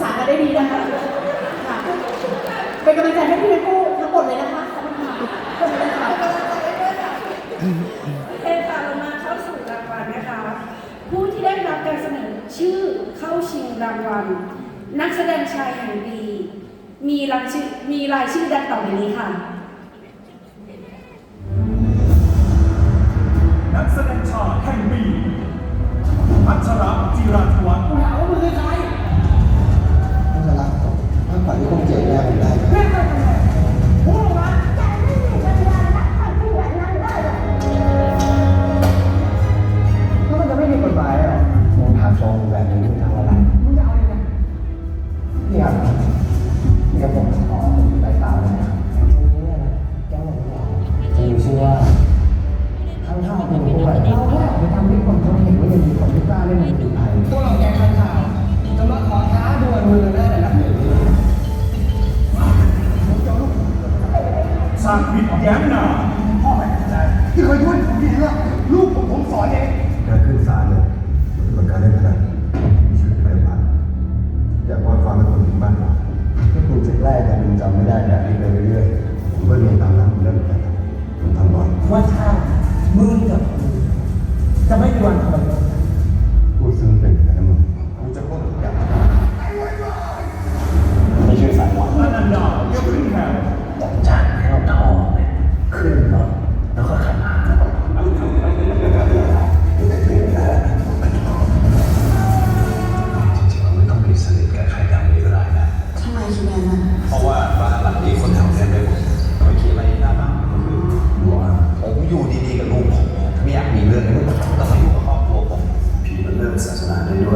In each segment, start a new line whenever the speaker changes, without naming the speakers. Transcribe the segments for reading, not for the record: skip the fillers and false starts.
ษากันได้ดีนะคะค่ะเป็นกำลังใจให้พี่ทั้งคู่ทั้งหมดเลยนะคะขอบคุณค่ะขอบคุณค่ะ
เอค่ะเรามาเข้าสู่รางวัลนะคะผู้ที่ได้รับการเสนอชื่อเข้าชิงรางวัลนักแสดงชายแห่งปีมีรายชื่อดังต่อไปนี้ค่ะ
นักแสดงชายแห่งปีพัชรจิราธวัฒน์คุณถามว่ามือใคร
พัชรถ้าฝันที่คงเจ๋งแน่ผมได้
เรียกใครกันแน่พูดออกมา
ถ้ามันจะไม่มีกฎหมายอ่ะมึงถามทรงแบบนี้มึงทำอะไร
มึงจะเอายังไง
พี่อ่ะนี่ก็ผมขอไปตามเลยนะตรงนี้เนี่ยนะแก้วผมบอกจะมีชื่อว่าข้างข้าวเป็นด้วยเราแค่ไปทำให้คนเขาเห็นว่ายังมีคนที่กล้าเล่นดนตรีไทยพวกเราแกงข้างข่าวจะมาขอท้าดวลมือได้ระดับหนึ่ง
ชาคิดแย้มนา
พ่อแม่ใจที่เคยช่วยผมดีแล้วลูกผมสอนเองการขึ้นศาลเนี่ยมันเป็นการเล่นพนันมีชีวิตเปลี่ยนไปอยากว่าความเป็นคนถึงบ้านเราถ้าคุณจะแรกแต่คุณจำไม่ได้แบบนี้ไปเรื่อยๆผมก็เรียนตามนั้นผมเริ่มไปผมทำบ่อย
ว่าถ้ามึงกับกูจะไม่มีวันทำอะไรกัน
พูดซึ้งเป็นแต่ละมึงกูจะพูดทุกอย่างไม่ชื่อสายหวาน
อนันดาเยอะขึ้นแถว
ต้องจ่ายให้เราทองเนี่ยขึ้นรถแล้วก็ขับมา
จริงๆเราไม่ต้องมีสนิทกับใครดังนี้ก็ได้นะ
ทำไมคิดแบบนั้น
เพราะว่าบ้านหลังนี้คนแถวเต็มไปหมดไม่คิดอะไรหน้าบ้านก็คือว่าผมอยู่ดีๆกับลูกผมไม่อยากมีเรื่องนี้ต้องมาอยู่กับครอบครัวผมผีมันเริ่มศาสนาได้ด้วย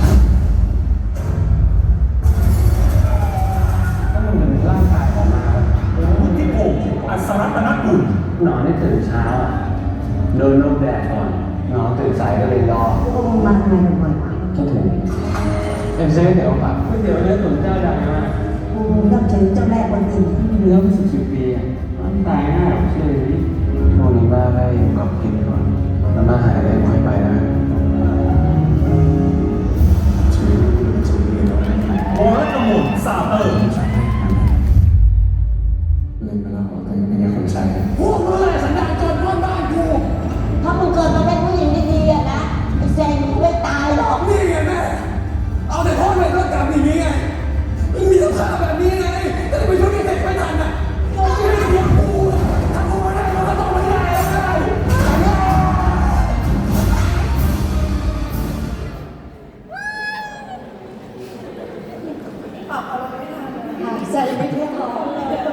ถ้ามันเป็นร่างกายออกมา
วุฒิพงศ์อัศรัตนกุล
นอนได้ตื่นเช้าโดนลมแดดก่อนนอนตื่นสายก็เลยรอ
มาทำไมเป็นวัน
ก็ถูกเป็นซื้อเดี๋ยวแบบก๋วยเตี๋ยวเนื้อตุ๋นเจ้าดังมาก
กูนับถือเจ้าแม่คนอื่น
เนื้อเป็น10 ปีอ่ะตายง่ายหรอกเชื่อดิช่วงนี้บ้าได้อยู่กับกินก่อนแล้วมาหายได้ค่อยไปนะ
โอรัตมนสาเติม
เล่นไปแล้วแต่ยังไม่ได้คนใช้
พวกมึงอะไรสันดานจนร่วมบ้านกู
ถ้ามึงเกิดมาเป็นผู้หญิงดีๆอะนะไอ้แซงมึงไม่ตายหรอก
นี่ไงแม่เอาแต่พ่อแม่ก็กลับอย่างนี้ไงมันมีสภาพแบบนี้ไงแต่ไปช่วยเด็กไม่ทันอ่ะไม่ได้เลี้ยงกูถ้ากูไม่ได้มันก็ต้องไม่ได้
ปรับอะไรไม่ทันเลย
หายใจไม่ทั่วท้อง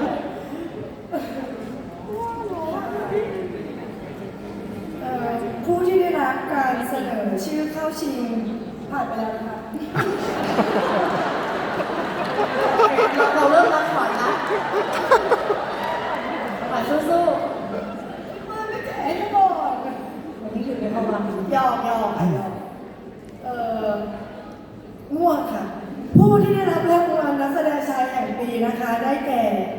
ผู้ที่ได้รับการเสนอชื่อเข้าชิงผ่านไปแล้วนะคะ
เราเริ่มรักขวัญนะขวัญสู้
มาไม่แก่ให้ก่อน
ๆวันนี้คือเป็นความรัก
ยอกค่ะยอกม่วงค่ะ ผู้ที่ได้รับรางวัลนักแสดงชายแห่งปีนะคะได้แก่